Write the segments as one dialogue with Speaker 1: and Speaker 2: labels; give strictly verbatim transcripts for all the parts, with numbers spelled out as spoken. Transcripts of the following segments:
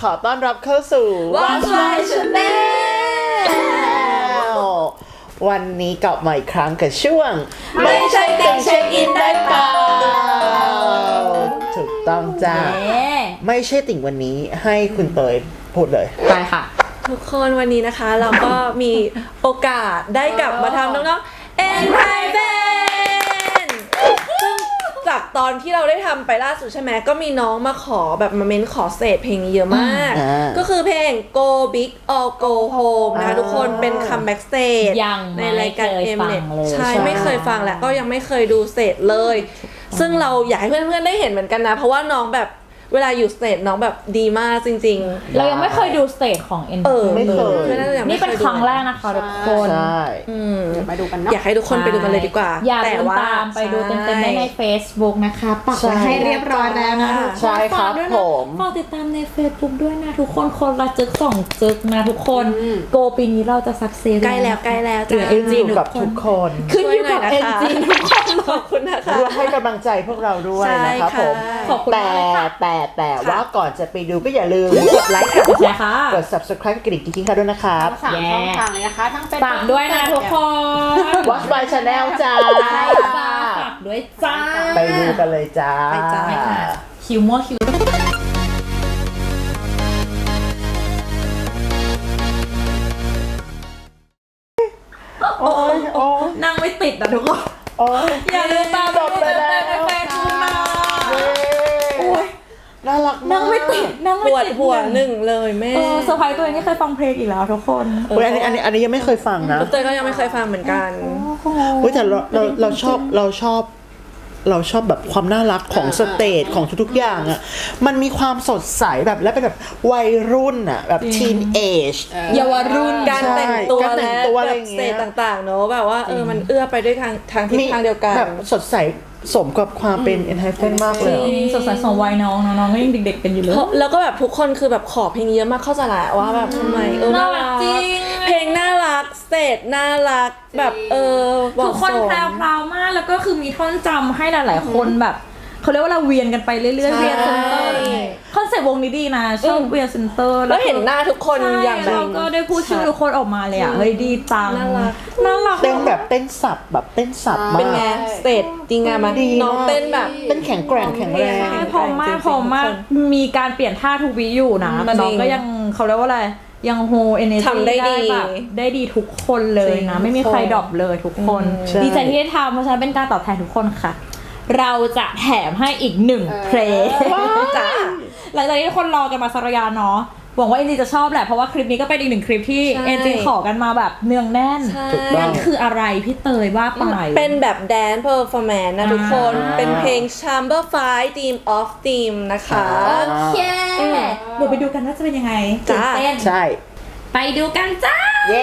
Speaker 1: ขอต้อนรับเข้าสู่
Speaker 2: What's My Channel
Speaker 1: วันนี้กลับมาอีกครั้งกับช่วง
Speaker 2: ไม่ใช่ติ่งเช็คอินได้เปล่า
Speaker 1: ถูกต้องจ้าไม่ใช่ติ่งวันนี้ให้คุณเตยพูดเลย
Speaker 2: ไปค่ะ
Speaker 3: ทุกคนวันนี้นะคะเราก็มีโอกาสได้กลับมาทำน้องๆ N Private ซึ่งจากตอนที่เราได้ทำไปล่าสุดใช่ไหมก็มีน้องมาขอแบบมาเม้นขอเศษเพลงนี้เยอะมาก
Speaker 1: อ่า
Speaker 3: ก็คือเพลง Go Big or Go Home นะคะทุกคนเป็นคัมแบ็กสเตจ
Speaker 2: ยัง
Speaker 3: ในรายการ
Speaker 2: ไม่เคยฟัง
Speaker 3: Mnet
Speaker 2: เลย
Speaker 3: ใช่
Speaker 1: ใช่
Speaker 3: ไม่เคยฟังและก็ยังไม่เคยดูเศษเลย ซึ่งเราอยากให้เพื่อนๆได้เห็นเหมือนกันนะเพราะว่าน้องแบบเวลาอยู่สเตจน้องแบบดีมากจริงๆ
Speaker 2: เรายังไม่เคยดูสเตจของ N
Speaker 3: เออ
Speaker 1: ไม่เคย
Speaker 3: พื่อนๆยัง
Speaker 2: นี่
Speaker 3: ไม่
Speaker 2: เป็น
Speaker 3: ยดู
Speaker 2: ครั้งแรกนะคะทุกคน
Speaker 1: ใช่
Speaker 3: อืม
Speaker 4: มาดูกันเนาะ
Speaker 3: อยากให้ทุกคนไปดูกันเลยดีกว่า
Speaker 2: อย่า
Speaker 3: แต่
Speaker 2: ลืม
Speaker 3: ว่า
Speaker 2: ตามไปดูเต็มๆได้ใน Facebook นะคะปัก
Speaker 1: ใช่
Speaker 2: ไว้ให้เรียบร้อยแล้วนะทุกคน
Speaker 1: ใช่ครับ
Speaker 2: ฝากด้วย
Speaker 1: ผ
Speaker 2: นะ
Speaker 1: ม
Speaker 2: ฝากติดตามใน Facebook ด้วยนะทุกคนคนละจึกสองจึกนะทุกคนโกปีนี้เราจะสักเซส
Speaker 3: ใกล้แล้วใกล้แล้ว
Speaker 2: เหลื
Speaker 3: จ้า
Speaker 2: อ เอ็น จี
Speaker 1: อยู่กับทุกคน
Speaker 2: ขึ้นอยู่กับ
Speaker 3: ช่วยหน่
Speaker 2: เอ็
Speaker 3: อย
Speaker 2: น
Speaker 3: นะคะ
Speaker 2: จีทุกคน
Speaker 3: ขอบคุณนะคะ
Speaker 1: ร่วมให้กำลังใจพวกเราด้วย
Speaker 3: ใช่
Speaker 1: นะครับ
Speaker 3: ค่ะ
Speaker 1: ผม
Speaker 2: ขอบคุณ
Speaker 1: แต่
Speaker 2: มากค่ะ
Speaker 1: แต่แต่
Speaker 3: ค่ะ
Speaker 1: ว่าก่อนจะไปดูก็อย่าลืมกดไลค์ค่ะ
Speaker 2: ใช่ค่ะ
Speaker 1: กด subscribe กระดิ่งกิ๊งๆค่ะด้วยนะครับ
Speaker 4: สามช่องทางเลยนะคะ ทั้งเป็น
Speaker 2: ฝากด้วยนะทุกคน
Speaker 1: Watch My Channel จ้า
Speaker 2: ใช่จ้าฝากด้วยจ้า
Speaker 1: ไปดูกันเลยจ้า
Speaker 3: ไปจ้า
Speaker 2: ไปค่ะคิวมั่วคิว
Speaker 1: โอ้ยโอ้ย
Speaker 2: นั่งไม่ติดนะทุกคน
Speaker 1: โอ้ย
Speaker 2: อย่าลืมตาม
Speaker 1: จบไปแล้ว
Speaker 2: ในเฟซบุ๊กนะ
Speaker 1: เย้
Speaker 2: โอ้ย
Speaker 1: น่ารักมาก
Speaker 2: นั่งไม่ติดนั่ง
Speaker 3: ป
Speaker 2: ไม่
Speaker 3: วด
Speaker 2: ติด
Speaker 3: หัวหนึ่งเลยแม่
Speaker 2: เออเซอร์ไพรส์ตัวเองที่เคยฟังเพลงอีกแล้วทุกคน
Speaker 1: เฮ้ยอันนี้อันนี้อันนี้ยังไม่เคยฟังนะ
Speaker 3: เตยก็ยังไม่เคยฟังเหมือนกัน
Speaker 1: เฮ้ยแต่เราเราเราชอบเราชอบ เราชอบแบบความน่ารักของสเตจของทุกๆอย่างอ่ะมันมีความสดใสแบบและเป็นแบบวัยรุ่นอ่ะแบบทีนเอจ
Speaker 2: เยาวรุ่น
Speaker 3: การแต่งตัว
Speaker 1: การแต่
Speaker 3: และ
Speaker 1: งตัวอะไร
Speaker 3: แบ
Speaker 1: อบ ย่าง
Speaker 3: ส
Speaker 1: เงี้
Speaker 3: เต
Speaker 1: ย
Speaker 3: จต่างๆเนอะแบบว่าเออมันเอื้อไปด้วยทางทางทิศทางเดียวกัน
Speaker 1: แบบสดใสสมกับความเป็น Enhypen มากเลยอะ
Speaker 2: สดใสสมวัยน้องน้องๆก็ยังเด็กๆกันอยู่เลย
Speaker 3: เพราะแล้วก็แบบทุกคนคือแบบขอเพลงนี้เยอะมากเข้าใจแหละว่าแบบทำไมเออน่ารัก
Speaker 2: น่ารักจริง
Speaker 3: เพลงน่ารักสเตจน่ารักแบบเออเหมาะ
Speaker 2: ทุกคน
Speaker 3: สม
Speaker 2: แพรวๆมากแล้วก็คือมีท่อนจำให้หลายๆคนแบบเขาเรียกว่าเราเวียนกันไปเรื่อยๆ
Speaker 3: ใช่
Speaker 2: เวียนเซนเตอร์คอนเซ็ปต์วงนี้ดีนะชอบ
Speaker 3: อืม
Speaker 2: เวียนเซนเตอร์
Speaker 3: แล้วเห็นหน้าทุกคน
Speaker 2: ใช่
Speaker 3: อย่างแบ
Speaker 2: เรา
Speaker 3: บ
Speaker 2: ก็ได้พูดชื่อทุกคนออกมาเลยอ่ะเฮ้ยดีจัง
Speaker 3: น่ารัก
Speaker 2: น่ารัก
Speaker 1: เต้นแบบเต้นสับแบบเต้นสับมาก
Speaker 3: เป็นไงสเตจดีงามไหม
Speaker 1: ดี
Speaker 3: น้องเต้นแบบ
Speaker 1: เต้นแข็งแกร่งแข็งแรง
Speaker 2: ใช่พร้อมมากพร้อมมากมีการเปลี่ยนท่าทุกวิอยู่นะ
Speaker 3: อืม
Speaker 2: น้องก็ยังเขาเรียกว่าอะไรยังโฮเอเนจี
Speaker 3: ทำได้ดี
Speaker 2: แบบได้ดีทุกคนเลยนะ
Speaker 3: จริง
Speaker 2: ไม่มีใครดรอปเลยทุกคน
Speaker 1: ใช่
Speaker 2: ดีใจที่ได้ทำเพราะฉะนั้นเป็นการตอบแทนทุกคนค่ะ เราจะแถมให้อีกหนึ่งเพลง
Speaker 3: จ้า
Speaker 2: หลังจากที่ทุกคนรอกันมาสักระยะเนาะหวังว่าเอ็นจีจะชอบแหละเพราะว่าคลิปนี้ก็เป็นอีกหนึ่งคลิปที่
Speaker 3: ใช่
Speaker 2: เอ็นจีขอกันมาแบบเนืองแน่น
Speaker 3: ใช่
Speaker 1: ถูกต้อง
Speaker 2: นั่นคืออะไรพี่เตยว่าไป
Speaker 3: เป็นแบบ Dance Performance นะทุกคน
Speaker 2: อ่า
Speaker 3: เป็นเพลง Chamber Five Theme of Theme นะคะ
Speaker 2: โอเคเดี๋ยวไปดูกันว่าจะเป็นยังไง
Speaker 3: จ้า
Speaker 2: ตื่นเต้น
Speaker 1: ใช่
Speaker 2: ไปดูกันจ้า
Speaker 1: เย้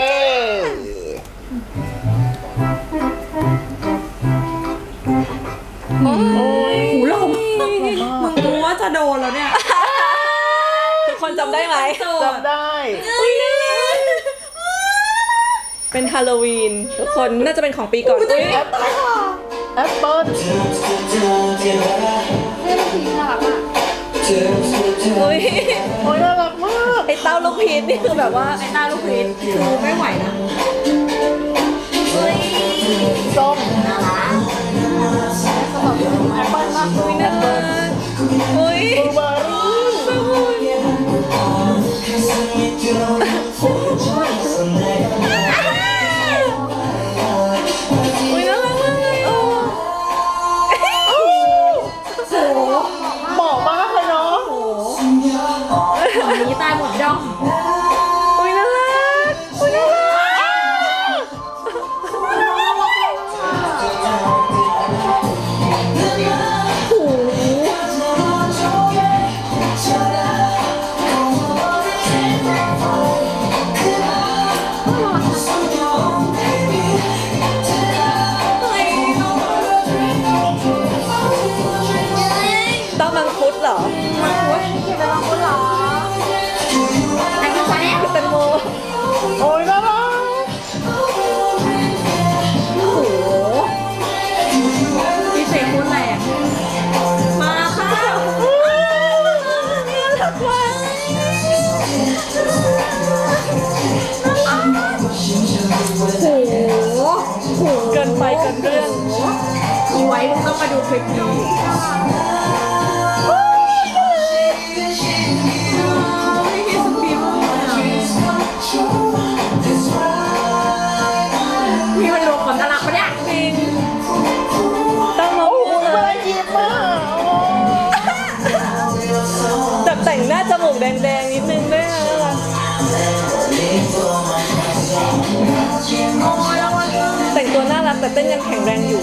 Speaker 2: หูลมมึงรู้ว่าจะโดนแล้วเนี่ย
Speaker 3: ทุกคนจำได้ไหม
Speaker 1: จำได้
Speaker 3: เป็นฮาโลวีนทุกคนน่าจะเป็นของปีก่อนอุ๊ย
Speaker 1: แอปเปิ้ลแอปเปิ้ล
Speaker 3: อุ๊ย
Speaker 1: โอ้ยน่ารักมาก
Speaker 3: ไอเต้าลูกพีชนี่คือแบบว่า
Speaker 2: ไอ้ตาลูกพีชคือไม่ไหวนะ
Speaker 1: ส้ม
Speaker 3: อุ๊ย
Speaker 1: บลูเบอร์รี่
Speaker 3: อุ๊ยน่ารักมากเลยโอ้
Speaker 1: เหมาะมากเลยเนาะ
Speaker 2: ฝั่งนี้ตายหมดย่อง
Speaker 3: อุ๊ยน่ารักอุ๊ยน่ารัก ต้องมังคุดเหรอ
Speaker 2: ไอ้ว้มึงต้องมาดูคลิปนี้พี่มันรวมคนน่ารักปะเนี่ย
Speaker 3: ต้องมาพูดเลย
Speaker 1: ยิ้มมาก
Speaker 3: แต่แต่งหน้าจมูกแดงๆนิดนึงด้วยนะแต่งตัวน่ารักแต่เต้นยังแข็งแรงอยู่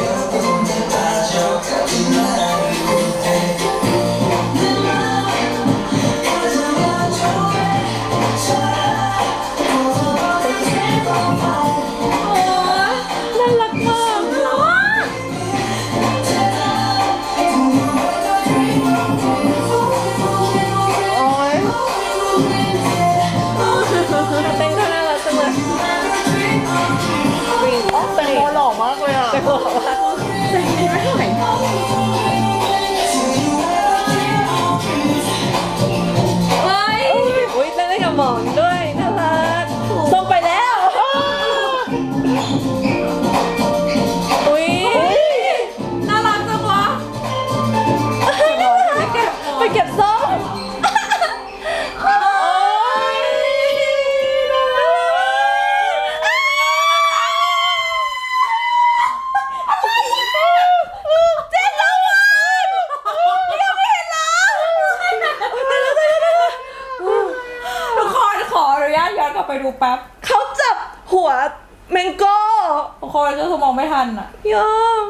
Speaker 3: น่ารักมากเต้นก็น่ารักจังเลย
Speaker 1: แตงโมหล่อมากเลยอ่ะ
Speaker 3: แต่บอกว่าเฮ้ยอุ้ยเต้นได้กับหมอนด้วยน่ารักส่งไปแล้วอุ้ยน่ารักจังวะไปเก็บส้ม
Speaker 2: ย้อนกลับไปดูแป๊บ
Speaker 3: เขาจับหัวแมงโก้
Speaker 2: ทุกคนก็คือมองไม่ทันอ่ะ
Speaker 3: ยอม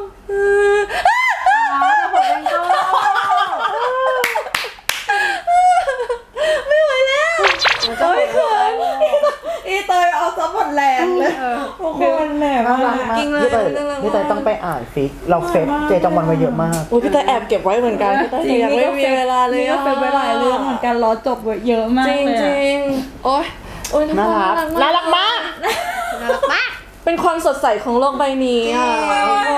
Speaker 3: ไม่ไหวแล้วโอ้ยเขินอีเตยเอาซับหมดแรงเลย
Speaker 2: ทุกคนแหนมาก
Speaker 3: จริงเลย
Speaker 1: พี่เตยพี่เตยต้องไปอ่านฟิกเราเฟซเจจังวันมาเยอะมาก
Speaker 3: โอ้ยพี่เตยแอบเก็บไว้เหมือนกันพี่เตยยังไม่มีเวลาเลย
Speaker 2: นี่ก็เป็นเวลาเรื่องเหมือนกันรอจบเยอะมาก
Speaker 3: จริง
Speaker 2: เลย
Speaker 3: จริงโอ้ยโอ้ย
Speaker 1: น่ารักน่ารักมาก
Speaker 4: น่ารักมาก
Speaker 3: เป็นความสดใสของโลกใบนี้อ่ะทุกคน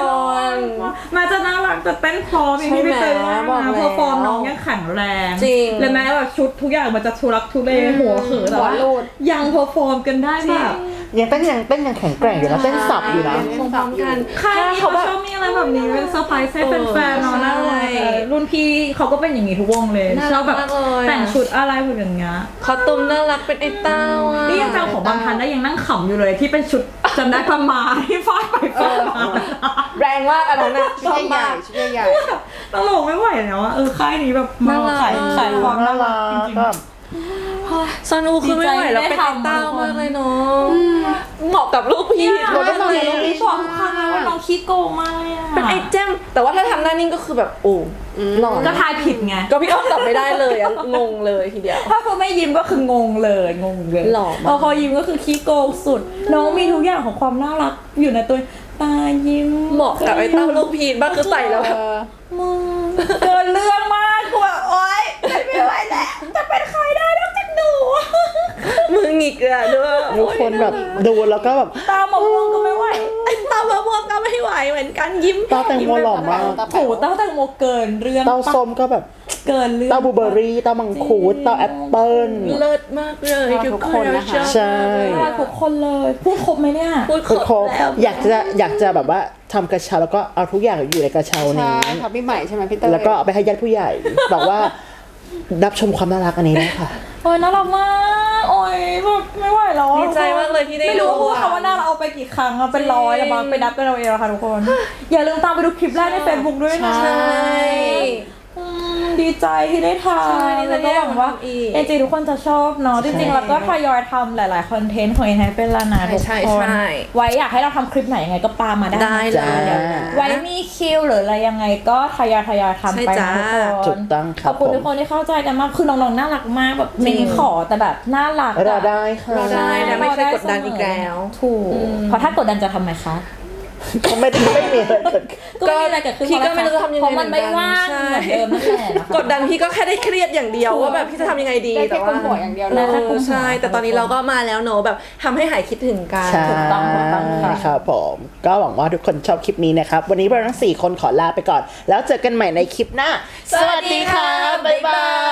Speaker 2: มาจะน่ารักจะเต้นพร้อมอย่างที่พี่เตยว่า
Speaker 3: บอก
Speaker 2: นะ
Speaker 3: แล้ว
Speaker 2: เพอร์ฟอร์มน้องยังแข็งแรง
Speaker 3: จริง
Speaker 2: เลยแม้แบบชุดทุกอย่างมันจะทุรักทุเลหัวเขือแต่ว่า
Speaker 4: หัวรูด
Speaker 2: ยังเพอร์ฟอร์มกันได้แบบ
Speaker 1: ยังเต้นยังเต้นยังแข็งแกร่งอยู่นะเต้นสับอยู่นะ
Speaker 3: พร้อมๆกัน
Speaker 2: ค่ายนี้เขาชอบมีอะไรแบบนี้เป็นเซอร์ไพรส์ให้แฟนๆเนาะน่ารักรุ่นพี่เขาก็เป็นอย่างนี้ทุกวงเลยชอบแบบแต่งชุดอะไรแบบอย่างเงี้ย
Speaker 3: คอสตูมน่ารักเป็นไอ้เต้าอ่ะ
Speaker 2: นี่ยังจำของบางทันได้ยังนั่งขำอยู่เลยที่เป็นชุดจำได้ประมาที่ฟาดไปฟาดมา
Speaker 3: แรงมากอันนั้นอ่ะช
Speaker 4: ชุ
Speaker 3: อบ
Speaker 4: ดใหญ่
Speaker 3: มาก
Speaker 4: ชุดใหญ่
Speaker 2: ตลกไม่ไหวแล้วอะเออค่ายนี้แบบมา
Speaker 3: น่ารัก
Speaker 2: ขายขายความ
Speaker 1: น่า
Speaker 2: น่ารั
Speaker 1: รั
Speaker 2: ก
Speaker 1: ก
Speaker 2: จริง
Speaker 1: ก็
Speaker 3: ซานูคือไม่ไหวแล้วเป็นไอ้เต้ามากเลยเนาะเหมาะกับลูกพี่
Speaker 2: ๆ
Speaker 3: เรา
Speaker 2: เรา
Speaker 3: ต้
Speaker 2: ต้
Speaker 3: อ
Speaker 2: อง ง
Speaker 3: ทำ
Speaker 2: เรียน
Speaker 3: นี้
Speaker 2: ที่บอกทุกครั้งนะว่าน้องขี้โกงมากเลยอะ
Speaker 3: เป็นไอ้แจมแต่ว่าถ้าทำหน้านิ่งก็คือแบบโอ้หล่อ
Speaker 2: ก็ทายผิดไง
Speaker 3: ก็พี่อ้อมตอบไม่ได้เลยอะงงเลยทีเดียว
Speaker 2: ถ้าเขาไม่ยิ้มก็คืองงเลยงงเลย
Speaker 3: หล่อมาก
Speaker 2: พอเขายิ้มก็คือขี้โกงสุด น้องมีทุกอย่างของความน่ารักอยู่ในตัวตายิ้ม
Speaker 3: เหมาะกับไอ้เต้าลูกพีนบ้างคือใส่แล้วแบบ
Speaker 2: มึงเกินเรื่องมากกูแบบโอ๊ยไม่ไหวแล้วจะเป็นใครได้นอกจากหนู
Speaker 3: มือหงิกอะด้วย
Speaker 1: ทุกคนแบบดูแล้วก็แบบ
Speaker 2: ตาหมองก็ไม่ไหว
Speaker 3: ไอ้เต้ามะม่วงก็ไม่ไหวเหมือนกันยิ้ม
Speaker 1: เต้าแตงโมหล่อมาก
Speaker 2: โถเต้าแตงโมเกินเรื่อง
Speaker 1: เต้าส้มก็แบบ
Speaker 2: เกินเรื่อง
Speaker 1: เต้าบลูเบอร์รี่เต้ามังคุดเต้าแอปเปิ้ล
Speaker 3: เลิศมากเลยทุกคนนะคะ
Speaker 1: ใช่
Speaker 2: น่ารักทุกคนเลยพูดครบไหมเนี่ย
Speaker 3: พูดค
Speaker 1: คือ
Speaker 3: ร
Speaker 1: คร
Speaker 3: บบ แล้ว
Speaker 1: อยากจะอยากจะแบบว่าทำกระเช้าแล้วก็เอาทุกอย่างอยู่ในกระเช้า
Speaker 4: ๆ
Speaker 1: นี้
Speaker 4: ใช่ค่ะพี่ใหม่ใช่ไหมพี่เตย
Speaker 1: แล้วก็เอาไปให้ญาติผู้ใหญ่ บอกว่ารับชมความน่ารักอันนี้ได้ค่ะ
Speaker 2: โอ้ยน่ารักมากโอ้ยแบบไม่ไหวแล้วอะ
Speaker 3: ดีใจมากเลยที่ได้
Speaker 2: ไม่รู้
Speaker 3: ดู
Speaker 2: พูด
Speaker 3: อะ
Speaker 2: คำว่าน่ารักเอาไปกี่ครั้งอะเป็นร้อยแล้วบางไปนับกันเราเองอะค่ะทุกคน อย่าลืมตามไปดูคลิปแรกใน Facebook ด้วยนะ
Speaker 3: ใช่
Speaker 2: อืมดีใจที่ได้ท
Speaker 3: ใช่
Speaker 2: ำแล้วก็หวังว่า
Speaker 3: ดีใจที่ได้ทำอีก
Speaker 2: เอจทุกคนจะชอบเนาะจริงๆแล้วก็ทยอยทำหลายๆคอนเทนต์ของเอ็นไฮเป็นละนะทุก
Speaker 3: ใช่
Speaker 2: คน
Speaker 3: ใช่
Speaker 2: ไว้อยากให้เราทำคลิปไหนยังไงก็ปามาได้
Speaker 3: ได้เลย
Speaker 1: จ้า
Speaker 2: ไว้มีคิวหรืออะไรยังไงก็ทยอยทยอยทำไป
Speaker 3: ใช่
Speaker 2: นะ
Speaker 3: จ้า
Speaker 2: ทุกคน
Speaker 1: ถูกต้องค
Speaker 2: ข
Speaker 1: รั
Speaker 2: อ
Speaker 1: บบ
Speaker 2: คุณ
Speaker 1: ผม
Speaker 2: ทุกคนที่เข้าใจกันมากคือน้องๆน่ารักมากแบบเมนขอแต่แบบน่ารักอะ
Speaker 1: รอได้ค่ะ
Speaker 3: รอได้นะไม่เคยกดดันอีกแล้ว
Speaker 2: ถูกเพราะถ้ากดดันจะทำไมคะ
Speaker 1: ก็ไม่ได้ไม่มีอะไรเกิดขึ้น
Speaker 2: ก็ไม่มีอะไรเกิดขึ้น
Speaker 3: พี่ก็ไม่รู้จะทำยังไง
Speaker 2: เพราะมันไม่ว่าง
Speaker 3: ใช่
Speaker 2: เหมือนเดิมนั่นแหละนะคะ
Speaker 3: กดดันพี่ก็แค่ได้เครียดอย่างเดียวว่าแบบพี่จะทำยังไงดี
Speaker 4: ได้
Speaker 3: แต่
Speaker 4: แค่
Speaker 3: ว่า
Speaker 4: คุมหัวอย่างเดียว
Speaker 3: เอ
Speaker 4: เลย
Speaker 3: อใช่ แต่ตอนนี้เราก็มาแล้วเนอะแบบทำให้หายคิดถึงกัน
Speaker 1: ใช่
Speaker 2: ถูกต้องถูกต้องค่ะ
Speaker 1: ครับผมก็หวังว่าทุกคนชอบคลิปนี้นะครับ วันนี้เราทั้งสี่คนขอลาไปก่อน แล้วเจอกันใหม่ในคลิปหน้า
Speaker 3: สวัสดีค่ะบ๊ายบาย